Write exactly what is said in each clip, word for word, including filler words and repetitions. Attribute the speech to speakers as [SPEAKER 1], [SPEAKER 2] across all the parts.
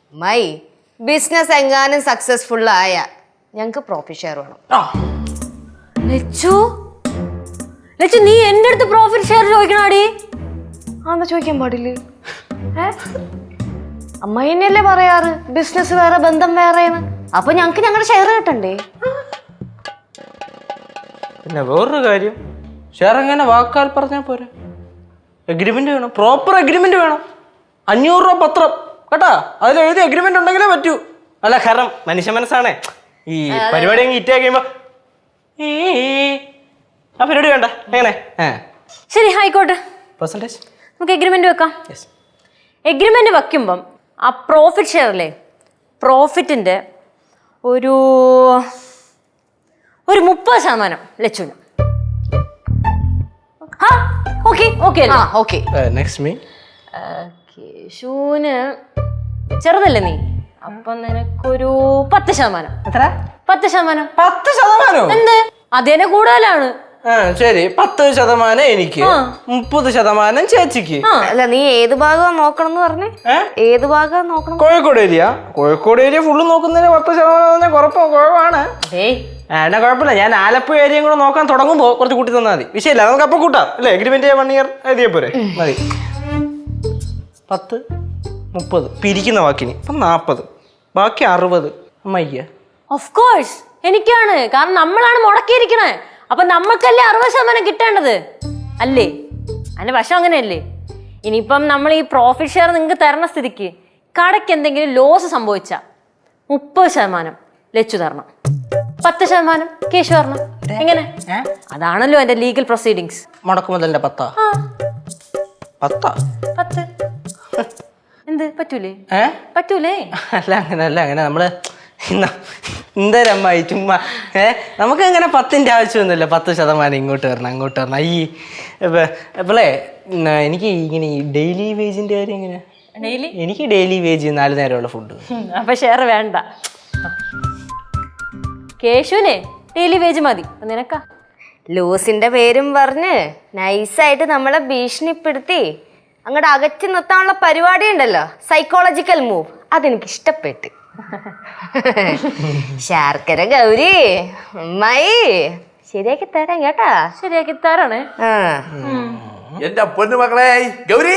[SPEAKER 1] My business എങ്ങാനും successful ആയ ഞങ്ങക്ക് പ്രോഫിറ്റ് ഷെയർ വേണം.
[SPEAKER 2] ലച്ചു ലച്ചു നീ എന്റെ അടുത്ത് പ്രോഫിറ്റ് ഷെയർ ചോദിക്കണാടി?
[SPEAKER 1] ആന്നാ ചോദിക്കാൻ പാടില്ലേ? അമ്മായി തന്നെയല്ലേ പറയാറ് ബിസിനസ് വേറെ ബന്ധം വേറെന്ന്. അപ്പൊ ഞങ്ങക്ക് ഞങ്ങളുടെ ഷെയർ കിട്ടണ്ടേ?
[SPEAKER 3] പിന്നെ വേറൊരു കാര്യം, ഷെയർ എങ്ങനെ വാക്കാൽ പറഞ്ഞാൽ പോരാ, എഗ്രിമെന്റ് വേണം, പ്രോപ്പർ എഗ്രിമെന്റ് വേണം. അഞ്ഞൂറ് രൂപ പത്രം കേട്ടാ, അതിൽ എഴുതി എഗ്രിമെന്റ് ഉണ്ടെങ്കിലേ പറ്റൂ. അല്ല കാരണം മനുഷ്യ മനസ്സാണേ, ഈ പരിപാടി അങ്ങ് ഇറ്റാ കഴിയുമ്പോ ആ പരിപാടി വേണ്ട. എങ്ങനെ?
[SPEAKER 2] ശരി ആയിക്കോട്ടെ,
[SPEAKER 3] പെർസെന്റേജ്
[SPEAKER 2] നമുക്ക് എഗ്രിമെന്റ് വെക്കാം. എഗ്രിമെന്റ് വെക്കുമ്പം ആ പ്രോഫിറ്റ് ഷെയറിലെ പ്രോഫിറ്റിന്റെ ഒരു ഒരു മുപ്പത് ശതമാനം ലച്ചുന്.
[SPEAKER 3] Next me.
[SPEAKER 2] കേശുവിന് ചെറുതല്ലേ നീ, അപ്പൊ നിനക്കൊരു പത്ത് ശതമാനം.
[SPEAKER 3] എത്ര?
[SPEAKER 2] പത്ത് ശതമാനം.
[SPEAKER 3] പത്ത് ശതമാനോ?
[SPEAKER 2] എന്ത് അതിനെ കൂടുതലാണ്.
[SPEAKER 3] ആ ശരി, പത്ത് ശതമാനം എനിക്ക്, മുപ്പത് ശതമാനം ചേച്ചിക്ക്.
[SPEAKER 1] അല്ല നീ ഏത് ഭാഗം നോക്കണം എന്ന് പറഞ്ഞേ? ഏത് ഭാഗം നോക്കണം?
[SPEAKER 3] Kozhikode area. Kozhikode area full നോക്കുന്നതിന് പത്ത് ശതമാനം കുറപ്പോ കുഴപ്പമാണ്. എന്നാ കുഴപ്പമില്ല, ഞാൻ ആലപ്പുഴ ഏരിയയും കൂടെ നോക്കാൻ തുടങ്ങുമ്പോ കുറച്ച് കൂട്ടി തന്നാൽ മതി. വിഷയമില്ല, നമുക്ക് അപ്പൊ കൂട്ടാം അല്ലേ? എഗ്രിമെന്റ് വൺ ഇയർ എഴുതിയ പോരെ? മതി. പത്ത് മുപ്പത് പിരിക്കുന്ന വാക്കിന് ഇപ്പം നാപ്പത്, ബാക്കി അറുപത് അമ്മയ്യ.
[SPEAKER 2] ഓഫ് കോഴ്സ് എനിക്കാണ്, കാരണം നമ്മളാണ് മുടക്കിയിരിക്കണേ. അപ്പൊ നമ്മൾക്കല്ലേ അറുപത് ശതമാനം കിട്ടേണ്ടത് അല്ലേ? അതിന്റെ വശം അങ്ങനെയല്ലേ? ഇനിയിപ്പം നമ്മൾ ഈ പ്രോഫിറ്റ് ഷെയർ നിങ്ങൾക്ക് തരണ സ്ഥിതിക്ക് കടയ്ക്ക് എന്തെങ്കിലും ലോസ് സംഭവിച്ച മുപ്പത് ശതമാനം ലച്ചു തരണം, പത്ത് ശതമാനം കേശു തരണം. എങ്ങനെ? അതാണല്ലോ എന്റെ ലീഗൽ പ്രൊസീഡിങ്സ്.
[SPEAKER 3] മുടക്കുമുതലിന്റെ പത്താ? പത്താ?
[SPEAKER 2] പത്ത്. എന്ത് പറ്റൂലേ? പറ്റൂലേ?
[SPEAKER 3] അല്ല അങ്ങനെ അല്ല അങ്ങനെ നമ്മള് എന്തരമ്മായി ചുമ്മാ ഏ നമുക്ക് അങ്ങനെ പത്തിന്റെ ആവശ്യമൊന്നുമില്ല. പത്ത് ശതമാനം ഇങ്ങോട്ട് വരണം അങ്ങോട്ട് വരണം. ഈ ഇപ്പോളേ എനിക്ക് ഇങ്ങനെ ഈ ഡെയിലി വേജിന്റെ കാര്യം എങ്ങനെ?
[SPEAKER 2] ഡെയിലി
[SPEAKER 3] എനിക്ക് ഡെയിലി വേജ് നാല് നേരമുള്ള ഫുഡ്.
[SPEAKER 2] അപ്പൊ ഷെയർ വേണ്ട. കേശുവിനെ ഡെയിലി വേജ് മതി. നിനക്കാ?
[SPEAKER 1] ലൂസിന്റെ പേരും പറഞ്ഞ് നൈസായിട്ട് നമ്മളെ ഭീഷണിപ്പെടുത്തി അങ്ങോട്ട് അകറ്റി നിർത്താനുള്ള പരിപാടി ഉണ്ടല്ലോ, സൈക്കോളജിക്കൽ മൂവ്, അതെനിക്ക് ഇഷ്ടപ്പെട്ടു. ശർക്കര ഗൗരി അമ്മായി ശരിയാക്കി തരാം കേട്ടാ.
[SPEAKER 2] ശരിയാക്കി തരാണ്.
[SPEAKER 4] എന്റെ പൊന്നു മക്കളെ ഗൗരി,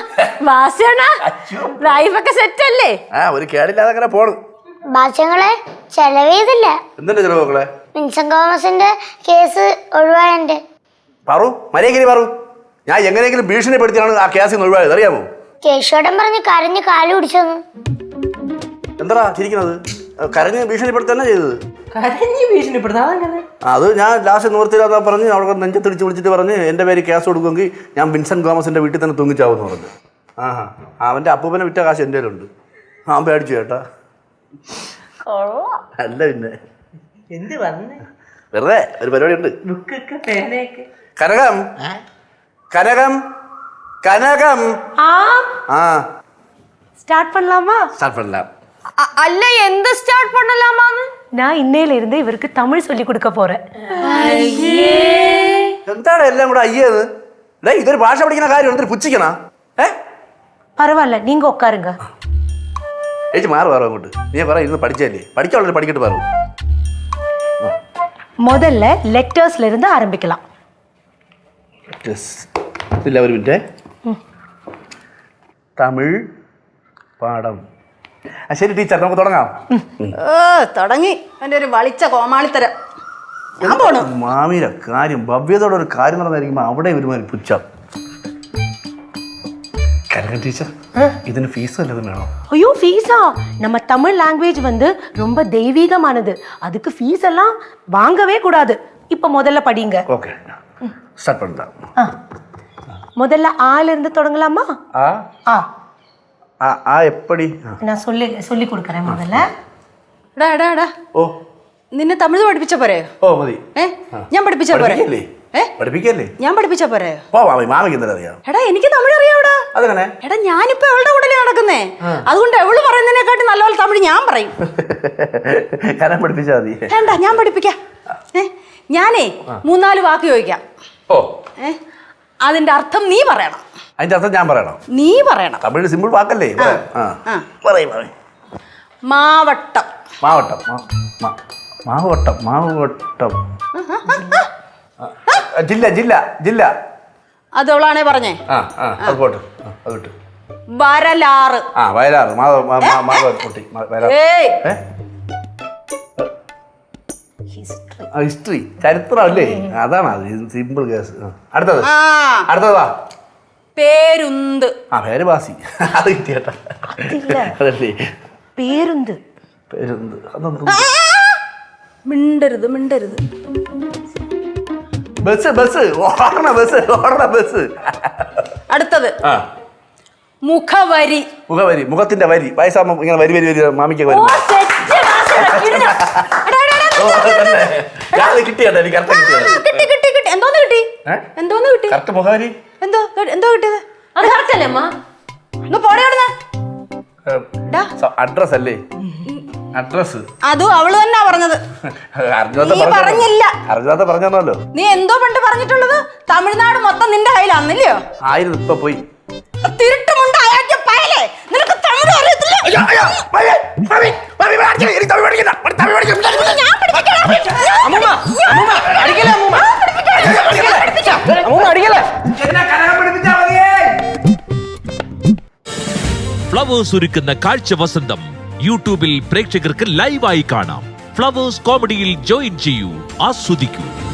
[SPEAKER 2] ലൈഫൊക്കെ സെറ്റ് അല്ലേ?
[SPEAKER 4] ആ ഒരു കേടില്ലാതെ അങ്ങനെ പോണു.
[SPEAKER 5] ഭാഷങ്ങളെ ചെലവേതില്ല.
[SPEAKER 4] എന്തിന്റെ ചെലവ് മക്കളെ?
[SPEAKER 5] വിൻസെന്റ് തോമസിന്റെ കേസ് ഒഴിവായന്റെ.
[SPEAKER 4] പറു മര്യാദ പറു, ഞാൻ എങ്ങനെയെങ്കിലും ഭീഷണിപ്പെടുത്തിയാണ് ആ കേസിൽ നിന്ന് ഒഴിവായത്, അറിയാമോ?
[SPEAKER 5] കേശോടൻ പറഞ്ഞ് കരഞ്ഞ് കാല് പിടിച്ചെന്ന്.
[SPEAKER 4] എന്താ ചിരിക്കുന്നത്? കരഞ്ഞ് ഭീഷണിപ്പെടുത്തി തന്നെ ചെയ്തത്.
[SPEAKER 3] കരഞ്ഞ് ഭീഷണിപ്പെടുത്താതെ?
[SPEAKER 4] അത് ഞാൻ ലാസ്റ്റ് നിവർത്തിയില്ലാത്ത പറഞ്ഞ് അവിടെ നെഞ്ചത്തിടിച്ച് വിളിച്ചിട്ട് പറഞ്ഞ് എൻ്റെ പേര് കേസ് കൊടുക്കുമെങ്കിൽ ഞാൻ വിൻസെന്റ് തോമസിന്റെ വീട്ടിൽ തന്നെ തൂങ്ങിച്ചാവെന്ന് പറഞ്ഞു. ആഹാ, അവന്റെ അപ്പൂപ്പനെ വിറ്റ കാശ് എൻ്റെ കയ്യിലുണ്ട്. ആ പേടിച്ചു ചേട്ടാ. അല്ല പിന്നെ
[SPEAKER 3] എന്ത് വന്ന്
[SPEAKER 4] വെറുതെ ഒരു പരിപാടി ഉണ്ട്. കനകം കനകം കനകം ആ
[SPEAKER 6] ஸ்டார்ட் பண்ணலாமா?
[SPEAKER 4] സ്റ്റാർട്ട് பண்ணலாம்.
[SPEAKER 1] അല്ല എന്ത് സ്റ്റാർട്ട് பண்ணலாமான்னு?
[SPEAKER 6] நான் இன்னையில இருந்து இவருக்கு தமிழ் சொல்லி கொடுக்க போறேன்.
[SPEAKER 4] എന്താണ് എല്ലാം കൂടെ അയ്യത്? ഡേ ഇതൊരു ഭാഷ പഠിക്കുന്ന കാര്യം എന്തൊരു പുച്ഛിക്കണ? ഏ
[SPEAKER 6] பரவாயில்ல, நீங்க உட்காருங்க.
[SPEAKER 4] ചേച്ചി മാറി പറ അങ്ങോട്ട്. നീ പറ ഇരുന്ന് പഠിച്ചല്ലേ, പഠിക്കാനുള്ളത് പഠിക്കട്ട് പറ.
[SPEAKER 6] முதல்ல லெட்டர்ஸ்ல இருந்து ஆரம்பிக்கலாம்.
[SPEAKER 4] ഇല്ല ഒരു മിനിറ്റ്. തമിഴ് പാഠം. ആ ശരി ടീച്ചർ, നമുക്ക് തുടങ്ങാം.
[SPEAKER 7] ഓ തുടങ്ങി എൻ്റെ ഒരു വളിച്ച കോമാളിത്തരം. ഞാൻ പോണു.
[SPEAKER 4] മാമിയുടെ കാര്യം ഭവ്യതയുടെ ഒരു കാര്യം നടന്നായിരിക്കുമ്പോ അവിടെ ഒരുമാതിരി പുച്ഛം. കനക ടീച്ചർ, ഇതിന് ഫീസ് വല്ലതും വേണോ?
[SPEAKER 6] ஐயோ ஃபீஸா? நம்ம தமிழ் லாங்குவேஜ் வந்து ரொம்ப தெய்வீகமானது, அதுக்கு ஃபீஸ் எல்லாம் வாங்கவே கூடாது. இப்போ முதல்ல படிங்க.
[SPEAKER 4] ஓகே ஸ்டார்ட் பண்ணலாம்.
[SPEAKER 6] முதல்ல ஆல இருந்து தொடங்கலாமா?
[SPEAKER 4] ஆ
[SPEAKER 6] ஆ
[SPEAKER 4] ആ ആ എപ്പടി?
[SPEAKER 6] நான் சொல்லி சொல்லி கொடுக்கறேன் முதல்ல.
[SPEAKER 7] എടാ എടാ എടാ
[SPEAKER 4] ഓ
[SPEAKER 7] നിന്നെ തമിഴ് പഠിപ്പിച്ച പോരെ?
[SPEAKER 4] ഓ മതി.
[SPEAKER 7] ഏ ഞാൻ പഠിപ്പിച്ച പോരെ?
[SPEAKER 4] ഏ പഠിപ്പിക്കല്ലേ?
[SPEAKER 7] ഞാൻ പഠിപ്പിച്ച പോരെ?
[SPEAKER 4] ഓ മാമി മാമിക്ക് എന്താ അറിയാം?
[SPEAKER 7] എടാ എനിക്ക് തമിഴ് അറിയാവിടാ.
[SPEAKER 4] അതെങ്ങനെ?
[SPEAKER 7] എടാ ഞാനിപ്പോ എവളുടെ കൂടെ നടക്കുന്നേ, അതുകൊണ്ട് എവള് പറയുന്നതിനെക്കാട്ടി നല്ലപോലെ തമിഴ് ഞാൻ പറയും.
[SPEAKER 4] കരം പഠിപ്പിച്ചാ മതി.
[SPEAKER 7] വേണ്ട ഞാൻ പഠിപ്പിക്കാം. ഏ ഞാനേ മൂന്നാല് വാക്ക് ചോദിക്കാം.
[SPEAKER 4] ഓ
[SPEAKER 7] ഏ അതിന്റെ അർത്ഥം നീ പറയണം.
[SPEAKER 4] അതിന്റെ അർത്ഥം ഞാൻ പറയണം?
[SPEAKER 7] നീ പറയണം.
[SPEAKER 4] തമിഴ് സിമ്പിൾ വാക്കല്ലേ? പറയും മാമി.
[SPEAKER 7] മാവട്ടം.
[SPEAKER 4] മാവട്ടം മാ- മാ- മാവട്ടം മാവട്ടം ആ, ജില്ല ജില്ല ജില്ല
[SPEAKER 7] അത് അവളാണേ പറഞ്ഞേ.
[SPEAKER 4] ആ ആ അത് പോട്ട് ആ, അത് വിട്ട്
[SPEAKER 7] വരലാറ്.
[SPEAKER 4] ആ വയലാറ് മാവ മാ- മാ- മാവ പൊട്ടി മാ- വയലാറ്
[SPEAKER 7] ഏയ്
[SPEAKER 4] ഏ ആ, ഹിസ്റ്ററി ചരിത്രം അല്ലേ അതാണ് അത് സിമ്പിൾ കേസ്. ആ, അടുത്തത്
[SPEAKER 7] ആ
[SPEAKER 4] അടുത്തതാ
[SPEAKER 7] പേരുന്ത്.
[SPEAKER 4] ആ പേര് ബാസി അത് കിട്ടിയേട്ടാ അതല്ലേ
[SPEAKER 6] പേരുന്ത്.
[SPEAKER 4] പേരെന്ത് അതൊന്നും
[SPEAKER 7] മിണ്ടരുത് മിണ്ടരുത്.
[SPEAKER 4] ബസ് ബസ് ഓടണ ബസ് ഓടണ ബസ്
[SPEAKER 7] അടുത്തത്
[SPEAKER 4] ആ
[SPEAKER 7] മുഖവരി.
[SPEAKER 4] മുഖവരി മുഖത്തിന്റെ വരി വയസ്സാകുമ്പോ ഇങ്ങനെ വരി വരി വരി മാമിക്ക് വരി കിട്ടിയാ എനിക്ക് കറക്റ്റ് കിട്ടിയത്
[SPEAKER 7] കിട്ടി കിട്ടി കിട്ടി. എന്തോന്ന് കിട്ടി?
[SPEAKER 4] ഏ?
[SPEAKER 7] എന്തോന്ന് കിട്ടി?
[SPEAKER 4] കറക്റ്റ് മുഖവരി
[SPEAKER 7] എന്തോ എന്തോ കിട്ടിയത്?
[SPEAKER 2] അത് കറക്റ്റ് അല്ലേ അമ്മ?
[SPEAKER 7] ഒന്ന് പോടെ അവിടുന്ന്. ഡാ.
[SPEAKER 4] അഡ്രസ് അല്ലേ അഡ്രസ്
[SPEAKER 7] അതും അവള് തന്നെ പറഞ്ഞത്.
[SPEAKER 4] അർജുനത്തെ
[SPEAKER 7] നീ പറഞ്ഞില്ല.
[SPEAKER 4] അർജുനത്തെ പറഞ്ഞല്ലോ.
[SPEAKER 7] നീ എന്തോ പണ്ട് പറഞ്ഞിട്ടുള്ളത്? തമിഴ്നാട് മൊത്തം നിന്റെ കയ്യിലാന്നില്ലയോ?
[SPEAKER 4] ആയിരുന്നു ഇപ്പൊ പോയി
[SPEAKER 7] തിരുട്ടുമുണ്ട് അയാൾക്ക് പയലേ. നിനക്ക് തമിഴ് അറിയത്തില്ല. ഞാൻ പഠിപ്പിക്കാം.
[SPEAKER 3] അമ്മൂമ്മ അമ്മൂമ്മ അടിക്കല്ലേ അമ്മൂമ്മ അമ്മൂമ്മ അടിക്കല്ലേ
[SPEAKER 8] ഫ്ലവേഴ്സ് ഒരുക്കുന്ന കാഴ്ച വസന്തം യൂട്യൂബിൽ പ്രേക്ഷകർക്ക് ലൈവായി കാണാം. ഫ്ലവേഴ്സ് കോമഡിയിൽ ജോയിൻ ചെയ്യൂ, ആസ്വദിക്കൂ.